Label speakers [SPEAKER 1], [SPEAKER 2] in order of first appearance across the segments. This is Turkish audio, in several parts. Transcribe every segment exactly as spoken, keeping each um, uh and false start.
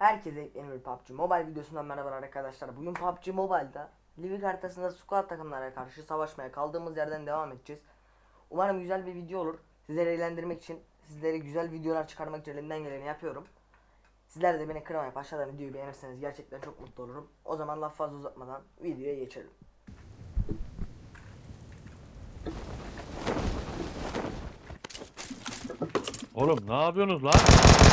[SPEAKER 1] Herkese yeni bir P U B G Mobile videosundan merhaba arkadaşlar. Bugün P U B G Mobile'da Livik haritasında squad takımlara karşı savaşmaya kaldığımız yerden devam edeceğiz. Umarım güzel bir video olur. Sizleri eğlendirmek için, sizlere güzel videolar çıkarmak için elimden geleni yapıyorum. Sizler de beni kırmayıp aşağıdan videoyu beğenirseniz gerçekten çok mutlu olurum. O zaman laf fazla uzatmadan videoya geçelim.
[SPEAKER 2] Oğlum ne yapıyorsunuz lan?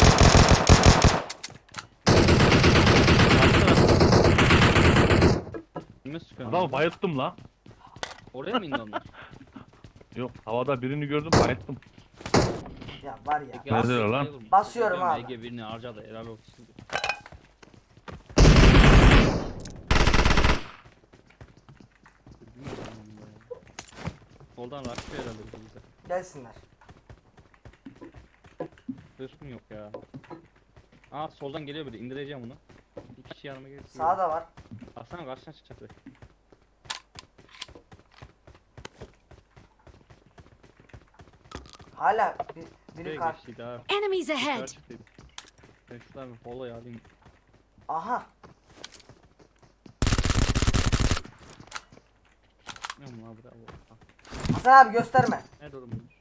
[SPEAKER 3] Kime sıkıyorsun?
[SPEAKER 2] Adamı bayılttım lan.
[SPEAKER 3] Oraya mı indi onlar?
[SPEAKER 2] Yok, havada birini gördüm, bayılttım.
[SPEAKER 1] Ya var ya.
[SPEAKER 3] Peki,
[SPEAKER 2] Nerede
[SPEAKER 3] Asya
[SPEAKER 2] lan?
[SPEAKER 3] sayılır mı?
[SPEAKER 1] Basıyorum
[SPEAKER 3] Biliyorum,
[SPEAKER 1] abi.
[SPEAKER 3] Ege birini harcadı helal olsun. Soldan rakip herhalde bize.
[SPEAKER 1] Gelsinler.
[SPEAKER 3] Hırsım yok ya. Aa soldan geliyor biri, indireceğim onu. Bir kişi yanıma gelsin.
[SPEAKER 1] Sağda var.
[SPEAKER 3] Aslan karşına çıkacak be.
[SPEAKER 1] Hala bir, biri
[SPEAKER 3] Şuraya
[SPEAKER 1] kar.
[SPEAKER 3] geçtiydi ha.
[SPEAKER 4] Enemies ahead!
[SPEAKER 3] Çıktıydı. Ben şuradan bir follow alayım.
[SPEAKER 1] Aha.
[SPEAKER 3] Ne mu lan bravo. Ha,
[SPEAKER 1] Hasan abi gösterme.
[SPEAKER 3] nerede oğlum bunlar?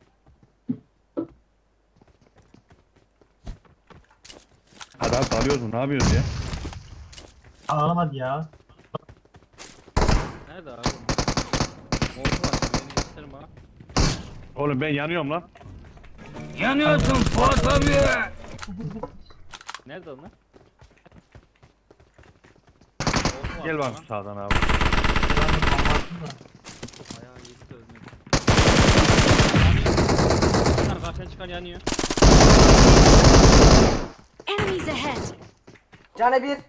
[SPEAKER 2] Hadi abi dalıyoruz mu? Ne yapıyorsun ya?
[SPEAKER 5] Ağlamadı ya.
[SPEAKER 3] Nerede abi? Moldu var. Beni gösterim ha.
[SPEAKER 2] Oğlum ben yanıyorum lan.
[SPEAKER 3] Yanıyorsun Fuat abi. Nerede onlar? Moldu var
[SPEAKER 2] Gel
[SPEAKER 3] sana.
[SPEAKER 2] bak sağdan abi.
[SPEAKER 3] Ayağı yedi de ölmedi. Yanıyor. Karşıya çıkan yanıyor.
[SPEAKER 4] Enemies ahead!
[SPEAKER 1] Cane bir.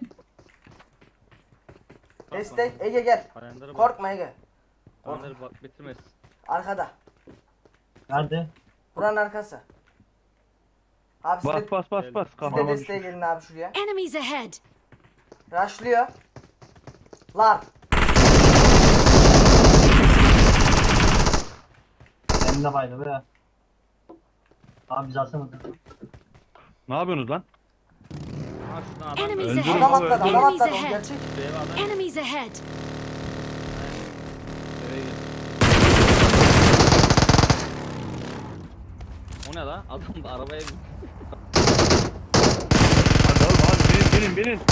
[SPEAKER 1] Destek. Ege gel.
[SPEAKER 3] Kalender'e bak.
[SPEAKER 1] Korkma Ege.
[SPEAKER 3] Kalender'e bak bitirmez.
[SPEAKER 1] Arkada.
[SPEAKER 5] Nerede?
[SPEAKER 1] Buranın arkası. Abi siz
[SPEAKER 2] Bas
[SPEAKER 1] de,
[SPEAKER 2] bas bas bas.
[SPEAKER 1] siz de
[SPEAKER 2] Kafama
[SPEAKER 1] desteğe
[SPEAKER 2] düşmüş.
[SPEAKER 1] gelin abi şuraya.
[SPEAKER 4] Enemies ahead!
[SPEAKER 1] Rushlıyor. Lar.
[SPEAKER 5] Benim de baydı be. Abi biz alsamadık.
[SPEAKER 2] Ne yapıyorsunuz lan?
[SPEAKER 3] Ha şuradan adam
[SPEAKER 4] Enemies
[SPEAKER 3] öldü.
[SPEAKER 2] Öldürün
[SPEAKER 1] Adam
[SPEAKER 4] ahead!
[SPEAKER 2] abi,
[SPEAKER 1] atladı.
[SPEAKER 2] öldürün.
[SPEAKER 1] Adam
[SPEAKER 4] Enemies
[SPEAKER 1] atladı. O
[SPEAKER 4] ahead!
[SPEAKER 1] gerçek.
[SPEAKER 3] Şuraya bir adam.
[SPEAKER 4] Enemies ahead!
[SPEAKER 3] Eve gel. O ne la? Adam da arabaya bin.
[SPEAKER 2] Hadi oğlum hadi binin binin binin.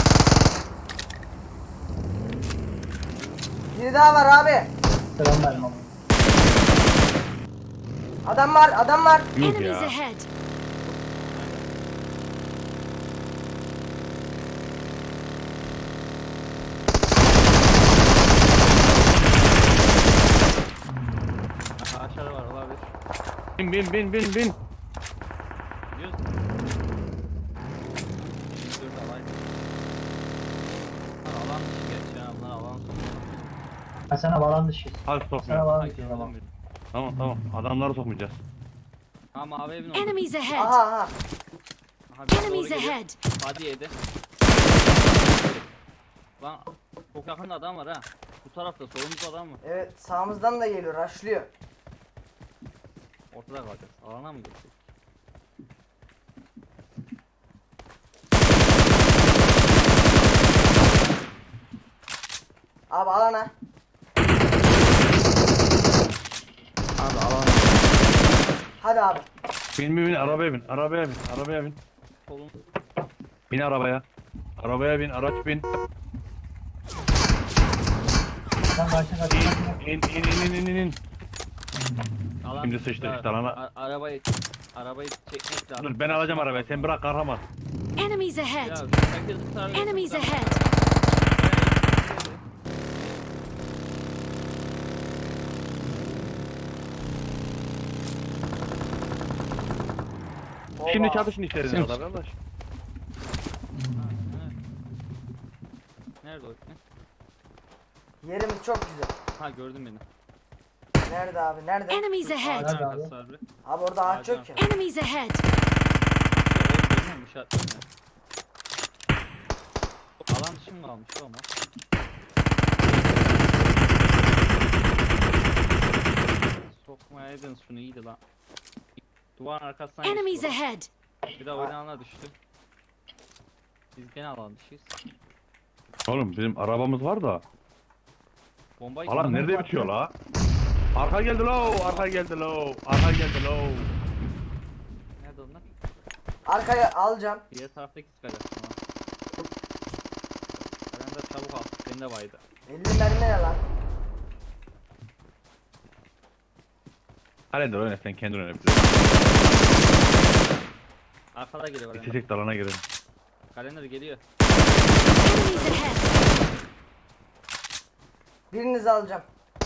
[SPEAKER 1] Biri daha var abi.
[SPEAKER 5] Selam verin ama.
[SPEAKER 1] Adam var. Adam var.
[SPEAKER 2] Yuh
[SPEAKER 4] Enemies
[SPEAKER 2] ya.
[SPEAKER 4] ahead!
[SPEAKER 3] Aha, aşağıda var olabilir.
[SPEAKER 2] Bin bin bin bin bin.
[SPEAKER 3] Gidiyoruz. Dur alayım. Lan alan dışı geç ya. Bunlar alan sonu.
[SPEAKER 5] Ha sana balan dışı.
[SPEAKER 2] Hadi
[SPEAKER 5] Sana
[SPEAKER 2] sokmayalım.
[SPEAKER 5] balan
[SPEAKER 3] Ay,
[SPEAKER 5] dışı
[SPEAKER 3] gördüm
[SPEAKER 5] tamam.
[SPEAKER 3] biri.
[SPEAKER 2] Tamam tamam. Adamları sokmayacağız.
[SPEAKER 3] Ha mavi evin orada.
[SPEAKER 4] Enemies ahead!
[SPEAKER 1] Aha aha.
[SPEAKER 3] Aha, bir doğru
[SPEAKER 4] Enemies
[SPEAKER 3] geliyor.
[SPEAKER 4] ahead!
[SPEAKER 3] Hadi yedi. Lan çok yakında adam var ha. Bu tarafta solumuzda adam var.
[SPEAKER 1] Evet sağımızdan da geliyor. Rushlıyor.
[SPEAKER 3] Ortada kalacağız. Alana mı geçecek?
[SPEAKER 1] Abi alana.
[SPEAKER 3] Abi alana.
[SPEAKER 1] Hadi abi.
[SPEAKER 2] Bin bin bin arabaya bin. Arabaya bin. Arabaya bin.
[SPEAKER 3] Solun.
[SPEAKER 2] Bin arabaya. Arabaya bin. Araç bin.
[SPEAKER 5] Sen karşına karşına.
[SPEAKER 2] İn in in in in in.
[SPEAKER 3] Alan
[SPEAKER 2] Şimdi sıçtık
[SPEAKER 3] Ya,
[SPEAKER 2] işte, alana.
[SPEAKER 3] a- Arabayı arabayı çekmek lazım.
[SPEAKER 2] Dur ben alacağım arabayı. Sen bırak kahraman.
[SPEAKER 4] Enemies
[SPEAKER 3] Ya
[SPEAKER 4] ahead!
[SPEAKER 3] herkes bu tarafa.
[SPEAKER 4] Enemies ahead!
[SPEAKER 2] Şimdi
[SPEAKER 1] Oba.
[SPEAKER 2] çatışın içerisinde
[SPEAKER 5] Sen-
[SPEAKER 2] arkadaş.
[SPEAKER 3] Nerede o ipne?
[SPEAKER 1] Yerimiz çok güzel.
[SPEAKER 3] Ha gördüm beni.
[SPEAKER 1] Nerede abi? Nerede?
[SPEAKER 4] Enemies ahead!
[SPEAKER 3] Ağacın
[SPEAKER 5] Nerede abi?
[SPEAKER 3] arkası var bir.
[SPEAKER 1] Abi orada ağaç
[SPEAKER 3] Ağacın
[SPEAKER 1] yok ya.
[SPEAKER 4] Enemies ahead!
[SPEAKER 3] Oğlum işaretledim ya. Alan dışı mı kalmış o ama? Sokmayaydın şunu iyiydi lan. Duvarın arkasından
[SPEAKER 4] Enemies
[SPEAKER 3] geçti bu.
[SPEAKER 4] ahead!
[SPEAKER 3] Bir daha oynağına düştü. Biz gene alan dışıyız.
[SPEAKER 2] Oğlum bizim arabamız var da.
[SPEAKER 3] Bombayı
[SPEAKER 2] Alan nerede bitiyor la? Arka geldi lo, arka geldi lo, arka geldi lo.
[SPEAKER 3] Nerede onlar?
[SPEAKER 1] Arkaya alacağım.
[SPEAKER 3] Diğer taraftaki siper yaptım ha. Kalender çabuk al. Bende baydı.
[SPEAKER 1] elli mermi ne lan?
[SPEAKER 2] Kalender oyna sen kendin oyna.
[SPEAKER 3] Arkada geliyor kalender.
[SPEAKER 2] İçecek dalana girelim.
[SPEAKER 3] Kalender geliyor.
[SPEAKER 4] Enemies ahead!
[SPEAKER 1] Birinizi alacağım.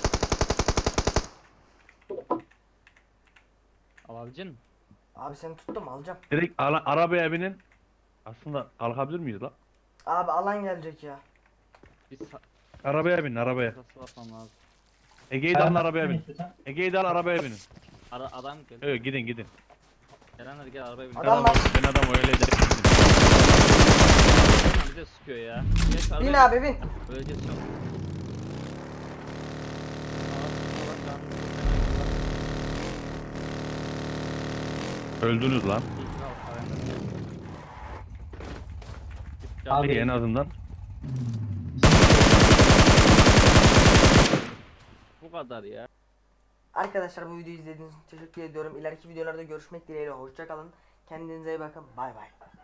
[SPEAKER 3] Alabilecek misin?
[SPEAKER 1] Abi seni tuttum alacağım.
[SPEAKER 2] Direkt ala- arabaya binin. Aslında kalkabilir miyiz la?
[SPEAKER 1] Abi alan gelecek ya.
[SPEAKER 3] Biz sa-
[SPEAKER 2] Arabaya bin, arabaya.
[SPEAKER 3] sırası basmam lazım.
[SPEAKER 2] Ege'yi de alın
[SPEAKER 5] Ayağına
[SPEAKER 2] arabaya bin.
[SPEAKER 5] istiyorsan.
[SPEAKER 2] Ege'yi de al arabaya binin.
[SPEAKER 3] Ara adam gel.
[SPEAKER 2] Evet gidin gidin.
[SPEAKER 3] Kalender gel arabaya bin.
[SPEAKER 2] Ben
[SPEAKER 1] Adam
[SPEAKER 2] adam,
[SPEAKER 1] var.
[SPEAKER 2] ben adam öyle de.
[SPEAKER 3] Bize sıkıyor ya. Gel şu
[SPEAKER 1] Bin
[SPEAKER 3] arabaya
[SPEAKER 1] abi bin.
[SPEAKER 3] bin. Öleceğiz şu an.
[SPEAKER 2] Öldünüz lan.
[SPEAKER 5] Abi-
[SPEAKER 2] Ege en azından.
[SPEAKER 3] Bu kadar ya.
[SPEAKER 1] Arkadaşlar bu videoyu izlediğiniz için teşekkür ediyorum. İleriki videolarda görüşmek dileğiyle. Hoşça kalın. Kendinize iyi bakın. Bay bay.